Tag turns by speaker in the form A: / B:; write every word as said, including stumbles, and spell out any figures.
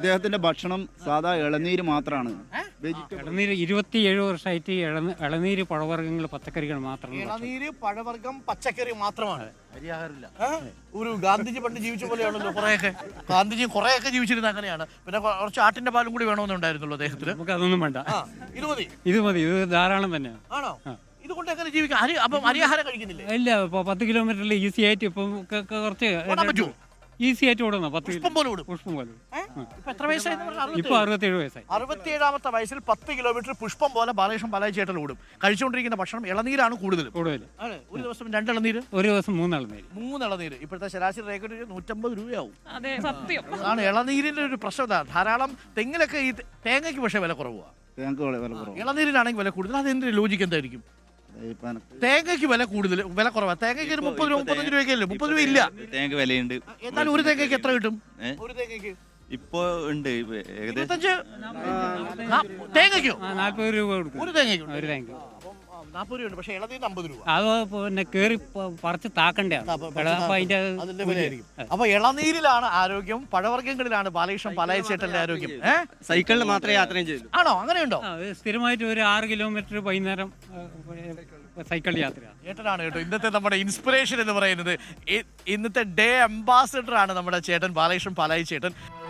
A: ഇദ്ദേഹത്തിന്റെ ഭക്ഷണം സാധാ ഇളനീര് മാത്രമാണ്.
B: ഇളനീര് ഇരുപത്തിയേഴ് വർഷമായിട്ട് ഇളനീര് പഴവർഗ്ഗങ്ങൾ പച്ചക്കറികൾ മാത്രമാണ്.
C: ഇളനീര് പഴവർഗ്ഗം പച്ചക്കറി മാത്രമാണ്. ഒരു ഗാന്ധിജി പണ്ട് ജീവിച്ച പോലെയാണല്ലോ. കുറെയൊക്കെ ഗാന്ധിജി കുറെയൊക്കെ ജീവിച്ചിരുന്ന അങ്ങനെയാണ്. പിന്നെ കുറച്ച് ആട്ടിന്റെ പാലും കൂടി വേണമെന്നുണ്ടായിരുന്നല്ലോ അദ്ദേഹത്തിന്.
B: നമുക്ക് അതൊന്നും വേണ്ട,
C: ഇത് മതി
B: ഇത് മതി, ഇത് ധാരാളം തന്നെയാണ്.
C: ആണോ? ഇതുകൊണ്ട് എങ്ങനെ ജീവിക്കാം? അരി അപ്പം അരിയാഹാരം കഴിക്കുന്നില്ലേ?
B: ഇല്ല, ഇപ്പൊ പത്ത് കിലോമീറ്ററിൽ ഈസി ആയിട്ട് ഇപ്പം കുറച്ച് ഈസി ആയിട്ട് ഓടുന്ന പത്ത്
C: പുഷ്പം പോലെ ഓടും.
B: പുഷ്പം പോലെ.
C: എത്ര വയസ്സായി?
B: ഇപ്പൊ അറുപത്തിയേഴ് വയസ്സായി.
C: അറുപത്തിയേഴാമത്തെ വയസ്സിൽ പത്ത് കിലോമീറ്റർ പുഷ്പം പോലെ ബാലകൃഷ്ണൻ പാലായി ചേട്ടൻ ഓടും. കഴിച്ചുകൊണ്ടിരിക്കുന്ന ഭക്ഷണം ഇളനീരാണ് കൂടുതൽ
B: കൂടുതൽ.
C: ഒരു ദിവസം രണ്ട് ഇളനീര്,
B: ഒരു ദിവസം മൂന്ന് ഇളനീര്.
C: മൂന്ന് ഇളനീര്. ഇപ്പോഴത്തെ ശരാശരി റേറ്റ് നൂറ്റമ്പത് രൂപയാവും.
D: അതെ, സത്യം.
C: അതാണ് ഇളനീരിന്റെ ഒരു പ്രശ്നത. ധാരാളം തെങ്ങിലൊക്കെ ഈ തേങ്ങയ്ക്ക് പക്ഷേ വില കുറവാണ്, ഇളനീരിനാണെങ്കിൽ വില കൂടുതൽ. അതെന്തിന്റെ ലോജിക്ക് എന്തായിരിക്കും? തേങ്ങയ്ക്ക് വില കൂടുതൽ, വില കുറവാണ്. തേങ്ങയ്ക്ക് ഒരു മുപ്പത് രൂപ മുപ്പത്തഞ്ച് രൂപയ്ക്കല്ലേ? മുപ്പത് രൂപ ഇല്ല.
E: തേങ്ങ വിലയുണ്ട്.
C: എന്നാലും ഒരു തേങ്ങയ്ക്ക് എത്ര കിട്ടും? ഒരു തേങ്ങയ്ക്ക്
E: ഇപ്പൊ ഉണ്ട്
C: ഇരുപത്തഞ്ച് തേങ്ങയ്ക്കോ?
B: നാല്പത് രൂപ കൊടുക്കും
C: ഒരു തേങ്ങയ്ക്ക്.
B: ഒരു തേങ്ങ
C: നാൽപ്പത് രൂപ. പക്ഷേ ഇളനീരിന് അമ്പത് രൂപ.
B: അത് പിന്നെ കേറി പറിച്ച് താക്കണ്ടേ,
C: അതിന്റെ വിലയായിരിക്കും. അപ്പൊ ഇളനീരിലാണ് ആരോഗ്യം, പഴവർഗ്ഗങ്ങളിലാണ് ബാലകൃഷ്ണൻ പാലായി ചേട്ടന്റെ ആരോഗ്യം.
F: സൈക്കിളിൽ മാത്രമേ യാത്രയും ചെയ്യൂ.
C: ആണോ? അങ്ങനെയുണ്ടോ?
B: സ്ഥിരമായിട്ട് ഒരു ആറ് കിലോമീറ്റർ വൈകുന്നേരം സൈക്കിൾ യാത്ര.
C: ചേട്ടനാണ് കേട്ടോ ഇന്നത്തെ നമ്മുടെ ഇൻസ്പിറേഷൻ എന്ന് പറയുന്നത്. ഇന്നത്തെ ഡേ അംബാസിഡർ ആണ് നമ്മുടെ ചേട്ടൻ ബാലകൃഷ്ണൻ പാലായി ചേട്ടൻ.